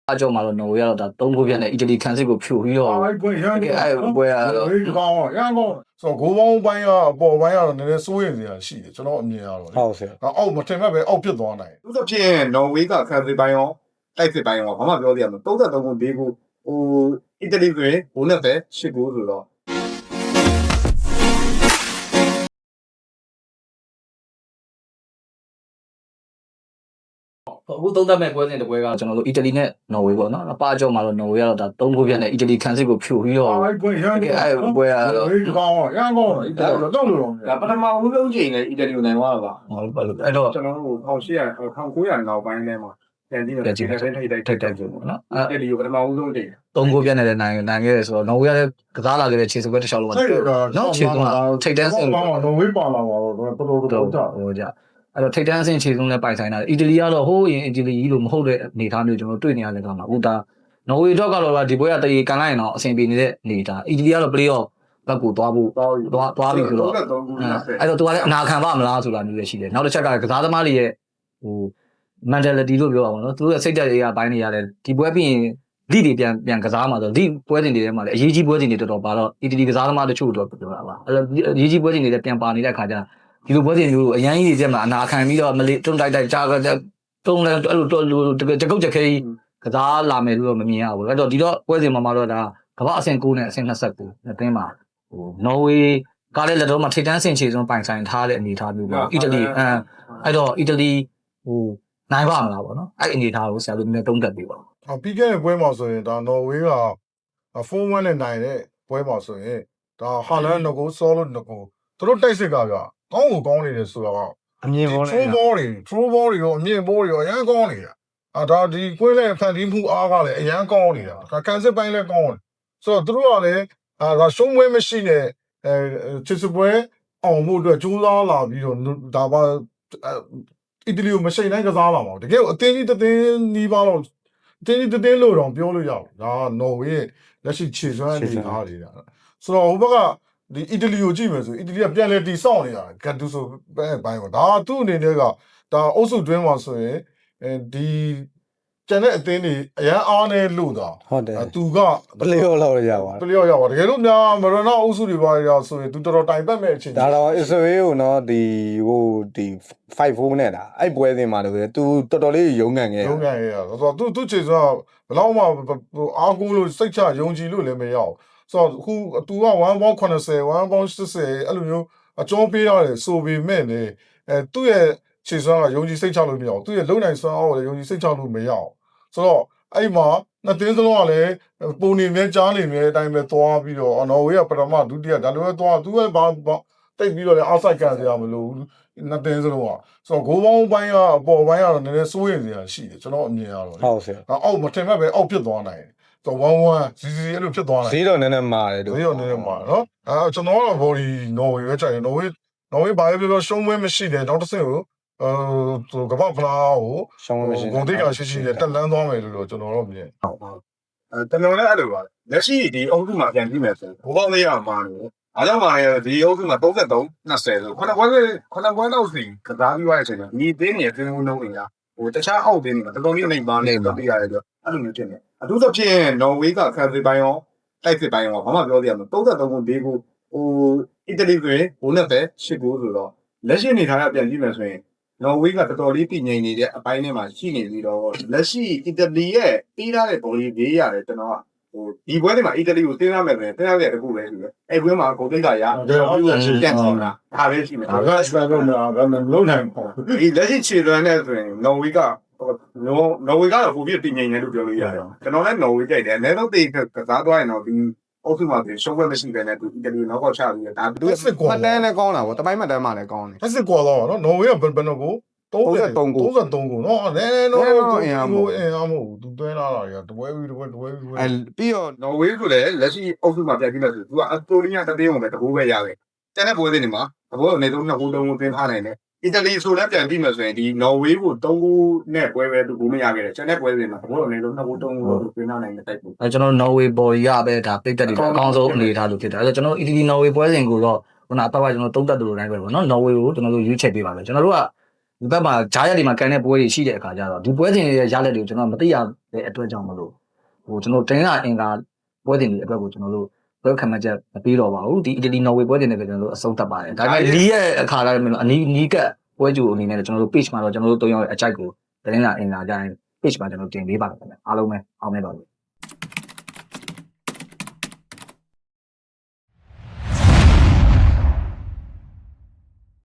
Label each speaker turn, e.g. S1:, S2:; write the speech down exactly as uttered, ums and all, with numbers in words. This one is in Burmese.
S1: အကြောင်းမှာတော့နော်ဝေးကတော့ဒါသုံးခုပြက်နဲ့အီတလီခံစစ်ကိုဖြိုပြီးတော့အဲ့ပွဲရမ်းအဲ့ပွဲကတော့
S2: ဒီကောင်ရမ်းကောင်ဆိုတော့ဂိုးပေါင်းပိုင်းကအပေါ်ပိုင်းကတော့နည်းနည်းစိုးရိမ်စရာရှိတယ်ကျွန်တော်အမြင်ရတော့ဟုတ်ဆရာအောက်မထင်မဲ့ပဲအောက်ဖြစ်သွားနိုင်
S3: သူသဖြင့်နော်ဝေးကခံစစ်ပိုင်းရောတိုက်စစ်ပိုင်းရောဘာမှပြောသေးရမလို့33ခု၄ခုဟိုအီတလီဆိုရင်ဘိုးနဲ့ပဲ၈ခုဆိုတော့
S1: အခုသုံးသပ်မဲ့ပွဲစဉ်တစ်ပွဲကကျွန်တော်တို့အီတလီနဲ့နော်ဝေးပေါ့နော်အပအကြောင်းမှာတော့နော်ဝေးကတော့ဒါသုံးခုပြက်နဲ့အီတလီခံစစ်ကိုဖြိုပြီးတော့
S2: အဲ့ပွဲရမ်း
S1: အဲ့ပွဲကတော့
S2: ဒီကောင်ရမ်းကောင်အီတလီတော့တော့လို့တော့
S3: ဒါပထမဦးဆုံးချိန်နဲ့အီတလီကိုနိုင်သွားတာပါ
S1: ဟုတ်ပါလို့အဲ့တော့
S3: ကျွန်တော်တို့၁၈၀၀ ၁၉၀၀နောက်ပိုင်းထဲမှာပြန်ကြည့်မယ်ဒီနေ့ထိတ်တိုက်ထိတ်တိုက်ဆိုပေါ့နော်အီတလီကိုပထမဦးဆုံးချိန်
S1: သုံးခုပြက်နဲ့လည်းနိုင်နိုင်ခဲ့တယ်ဆိုတော့နော်ဝေးကလည်းကစားလာခဲ့တဲ့ခြေစွပ်တစ်လျှောက်လုံးကနော်ခြေစွပ်ကထိတ်တန်းစင်
S2: နော်ဝေးပါလာပါတော့တော်တော်တော်ကြာ
S1: ဟိုကြအဲ့တော့ထိတ်တန်းစင်ခြေစွပ်နဲ့ပိုင်ဆိုင်တာအီတလီကတော့ဟိုးရင်အီတလီကြီးလို့မဟုတ်တဲ့အနေအထားမျိုးကျွန်တော်တွေ့နေရတယ်ကောင်မှာအခုဒါနော်ဝေးတော့ကတော့ဒီပွဲကတရေကန်လိုက်ရင်တော့အဆင်ပြေနေတဲ့အနေအထားအီတလီကတော့ play off ဘက်ကိုသွားဖို့သွားသွားပြီဆိုတော့အဲ့တော့သူကလည်းအနာခံပါမလားဆိုတာမျိုးလည်းရှိတယ်နောက်တစ်ချက်ကကစားသမားတွေရဲ့ဟို mentality လို့ပြောပါအောင်နော်သူတို့ရဲ့စိတ်ဓာတ်တွေကဘိုင်းနေရတယ်ဒီပွဲပြီးရင်လိတွေပြန်ပြန်ကစားမှာဆိုလိပွဲစဉ်တွေထဲမှာလည်းအရေးကြီးပွဲစဉ်တွေတော်တော်ပါတော့အီတလီကစားသမားတချို့တော့ပြောတာပါအဲ့တော့အရေးကြီးပွဲစဉ်တွေလည်းပြန်ပါနေတဲ့ခါကျဒီလိုပွဲစဉ်မျိုးအရန်ကြီးတွေထဲမှာအနာခံပြီးတော့မလေးတွန်းတိုက်တိုက်ကြားတုံးလဲအဲ့လိုတော်တကုတ်ချက်ခဲကြီးကစားလာမယ်လို့တော့မမြင်ရဘူးအဲ့တော့ဒီတော့ပွဲစဉ်မှာမှာတော့ဒါကမ္ဘာအဆင့်၉နဲ့အဆင့်၂၉အတွင်းမှာဟိုနော်ဝေးကလည်းလက်တော့မှထိတ်တန်းဆင်ချေဆုံးပိုင်ဆိုင်ထားတဲ့အနေအထားမျိုးပေါ့အီတလီအဲအဲ့တော့အီတလီဟိုနိုင်ပါမလားပေါ့နော်အဲ့အနေအထားကိုဆရာတို့နည်းတုံးတက်ပေးပါ
S2: အော်ပြီးခဲ့တဲ့ပွဲမှာဆိုရင်ဒါနော်ဝေးက၄-၁နဲ့နိုင်တဲ့ပွဲမှာဆိုရင်ဒါဟာလန်ငကိုဆောလို့ငကိုသူတို့တိုက်စစ်ကပြကောင်းကိုကောင်းနေတယ်ဆိုတော့အမြင်ပေါ်နေ true ball တွေ true ball တွေရောအမြင်ပေါ်တွေရောအရန်ကောင်းနေတာအာဒါဒီကွင်းနဲ့ဖန်တီးမှုအားကလည်းအရန်ကောင်းနေတာဒါကန်စစ်ပိုင်းလည်းကောင်းတယ်ဆိုတော့သူတို့ကလည်းအာဒါရှုံးပွဲမရှိတဲ့အဲချစ်စပွဲအောင်မှုအတွက်ကြိုးစားလာပြီးတော့ဒါပါအီတလီကိုမရှိတိုင်းကစားလာမှာတကယ်အတင်းကြီးတတင်းနီးပါတော့တင်းကြီးတင်းလို့တော့ပြောလို့ရတယ်ဒါကနော်ဝေးရဲ့လက်ရှိခြေစွမ်းအနေထားတွေဒါဆိုတော့ဟိုဘက်ကဒီအီတလီကိုကြည့်မယ်ဆိုအီတလီကပြန်လဲတီဆောက်နေတာဂတ်တူဆိုပဲဘိုင်းပေါ့ဒါကသူ့အနေနဲ့ကဒါအုပ်စုတွင်းမှာဆိုရင်အဲဒီကျန်တဲ့အသင်းတွေအရန်အားနေလို့တာ
S4: ဟုတ်တယ်
S2: သူက
S4: ပလေယောလောက်ရပါ
S2: ပလေယောရပါတကယ်လို့များမရနာအုပ်စုတွေပါရဆိုရင်သူတော်တော်တိုင်ပတ်မဲ့အချိန်
S4: ဒါတော့အစ္စရေးကိုနော်ဒီဟိုဒီ၅-၄နဲ့တာအဲ့ပွဲစဉ်မှာလို့သူတော်တော်လေးရုံးကန်ခဲ့
S2: ရုံးကန်ခဲ့ရဆိုတော့သူသူခြေစွမ်းဘယ်တော့မှအားကိုးလို့စိတ်ချယုံကြည်လို့လည်းမရအောင်ဆိုတော့ခုသူက1ပေါင်း80 1ပေါင်း80အဲ့လိုမျိုးအကျော်ပေးရတယ်ဆိုပေမဲ့လေအဲသူ့ရဲ့ခြေစွမ်းကယုံကြည်စိတ်ချလို့မရအောင်သူ့ရဲ့လုံနိုင်စွမ်းအားကိုလည်းယုံကြည်စိတ်ချလို့မရအောင်ဆိုတော့အဲ့မှာနှစ်သင်းစလုံးကလည်းပုံနေမြဲကြားနေမြဲအတိုင်းပဲသွားပြီးတော့နော်ဝေးကပထမဒုတိယဒါလိုပဲသွားသူကဘာတိတ်ပြီးတော့လည်းအောက်ဆိုက်ကန်စရာမလိုဘူးနှစ်သင်းစလုံးကဆိုတော့ဂိုးပေါင်းပိုင်းကအပေါ်ပိုင်းကတော့နည်းနည်းစိုးရိမ်စရာရှိတယ်ကျွန်တော်အမြင်ရတော့
S4: ဟုတ်ဆရာ
S2: အောက်မထင်မဲ့ပဲအောက်ဖြစ်သွားနိုင်တယ်ဆိုတော့one oneစီစီအဲ့လိုဖြစ်သွားနိုင်
S4: ဈေးတော့နည်းနည်းမာတယ်
S2: ဈေးတော့နည်းနည်းမာနော်အဲကျွန်တော်ကတော့ body နော်ဝေးပဲချိန်တယ်နော်ဝေးနော်ဝေးဘာပဲပြောရှုံးပွဲမရှိတယ်နောက်တစ်ဆင့်ကိုအဲသူကမ္ဘာဖလားကို
S4: ရှောင်းမရှိ
S2: ဂုံတိတ်ကရှိရှိနဲ့တက်လန်းသွားမယ်လို့တော့ကျွန်တော်တို့မြင်
S3: ဟုတ်ဟုတ်အဲတလုံးလည်းအဲ့လိုပါလက်ရှိဒီအုပ်စုမှာပြန်ကြည့်မယ်ဆိုဘိုးပေါင်းလေးရမှာလို့အားကြောင့်ပါရဲ့ဒီအုပ်စုမှာ33 20ဆိုခုနကပွဲခုနကပွဲတော့စီကစားပြီးသွားတဲ့အချိန်မှာညီသေးနေတဲ့အင်းဦးလုံးတွေကဟိုတခြားအောက်သေးနေမှာတော်တော်လေးနေပါနေတော့ပြရတယ်ဆိုအဲ့လိုမျိုးဖြစ်နေအထူးသဖြင့်နော်ဝေးကခံစစ်ပိုင်းရောတိုက်စစ်ပိုင်းရောဘာမှပြောသေးရမလို့33ခု၄ခုဟိုအီတလီဆိုရင်ဘိုးနဲ့ပဲ၈ခုဆိုတော့လက်ရှိအနေထားကပြန်ကြည့်မယ်ဆိုရင်နော်ဝေးကတော်တော်လေးပြည်ငြိမ်နေတဲ့အပိုင်းထဲမှာရှိနေပြီးတော့လက်ရှိအီတလီရဲ့ပြီးထားတဲ့ဘောလီဘေးရတယ်ကျွန်တော်ကဟိုဒီပွဲတွေမှာအီတလီကိုတင်းရမယ်ဆိုရင်တင်းရတဲ့တခုပဲရှိတယ်အဲ့ပွဲမှာဂိုးတိတ်ကရကျွန်တော်ပြုတ်ပြန်ဆောင်တာဒါပဲရှိမယ်
S2: ဒါကစပယ်လုံးမှာဘာမှလုံးနိုင်ပေါ့
S3: ဒီလက်ရှိခြေလွန်နဲ့ဆိုရင်နော်ဝေးကနော်နော်ဝေးကတော့ပုံပြပြည်ငြိမ်နေလို့ပြောလို့ရတယ်ကျွန်တော်လည်းနော်ဝေးကြိုက်တယ်အနည်းဆုံးတေးကစားသွားရင်တော့ဒီအုပ်စုမှာရှုံးပွဲမရှိဘဲနဲ့သူအီတလီနောက်ကောက်ချပြီးဒါ
S4: သူမှတ်တမ်းလည်းကောင်းတာဗောတပိုင်းမှတ်တမ်းမှလည်းကောင်းတယ်
S2: လက်စစ်ကွာတော့နော်နော်ဝေးကဘယ်ဘယ်တော့ကို
S4: 33ကို
S2: 33ကိုနော်နည်းနည်းတော့အင်အားမဟုတ်အင်အားမဟုတ်သူတွဲလာတာတွေကတပွဲပြီးတပွဲတပွဲပြီး
S4: အဲပြီးတော့
S3: နော်ဝေးကလည်းလက်ရှိအုပ်စုမှာပြန်ပြီးလို့ဆိုသူကအက်စတိုနီးယားတသေးုံပဲတကူပဲရတယ်ကျန်တဲ့ပွဲတွေနေမှာတပွဲအနေဆုံးနှစ်ခုသုံးခုသင်ထားနိုင်တယ်အီတလီဆိုလည်းပြန်ပြီးမှဆိုရင်ဒီနော်ဝေးကို၃ခုနဲ့ပွဲပဲသူကိုမရခဲ့တယ်ကျန်တဲ့ပွဲတွေမှာတပွဲအနေဆုံးနှစ်ခုသုံးခုသင်ထားနိုင်တဲ့တိုက်ပွဲ
S1: အဲကျွန်တော်နော်ဝေးဘော်ရီကပဲဒါပိတ်တက်တယ်အကောင်းဆုံးအနေထားလို့ဖြစ်တယ်အဲကျွန်တော်အီတလီနော်ဝေးပွဲစဉ်ကိုတော့ခုနအပတ်ကကျွန်တော်သုံးသက်သူလိုတိုင်းပဲပေါ့နော်နော်ဝေးကိုကျွန်တော်တို့ရွေးချယ်ပေးပါမယ်ကျွန်တော်တို့ကဒီဘက်မှာဂျားရက်တွေမှာကန်တဲ့ပွဲတွေရှိတဲ့အခါကျတော့ဒီပွဲစဉ်တွေရဲ့ရလက်တွေကိုကျွန်တော်မသိရတဲ့အတွက်ကြောင့်မလို့ဟိုကျွန်တော်တင်းလာအင်္ဂါပွဲစဉ်တွေအတွက်ကိုကျွန်တော်တို့ဘယ်ခံမှချက်မပြီးတော့ပါဘူးဒီအီတလီနော်ဝေပွဲစဉ်တွေကျွန်တော်တို့အဆုံးသတ်ပါတယ်ဒါပေမဲ့လီရဲ့အခါလည်းအနီးနီးကပ်ပွဲကြိုအနေနဲ့ကျွန်တော်တို့ page မှာတော့ကျွန်တော်တို့သုံးယောက်ရဲ့အကြိုက်ကိုတင်းလာအင်္ဂါကြရင် page မှာကျွန်တော်တင်ပေးပါမယ်ခင်ဗျအားလုံးပဲအောင်မြင်ပါစေ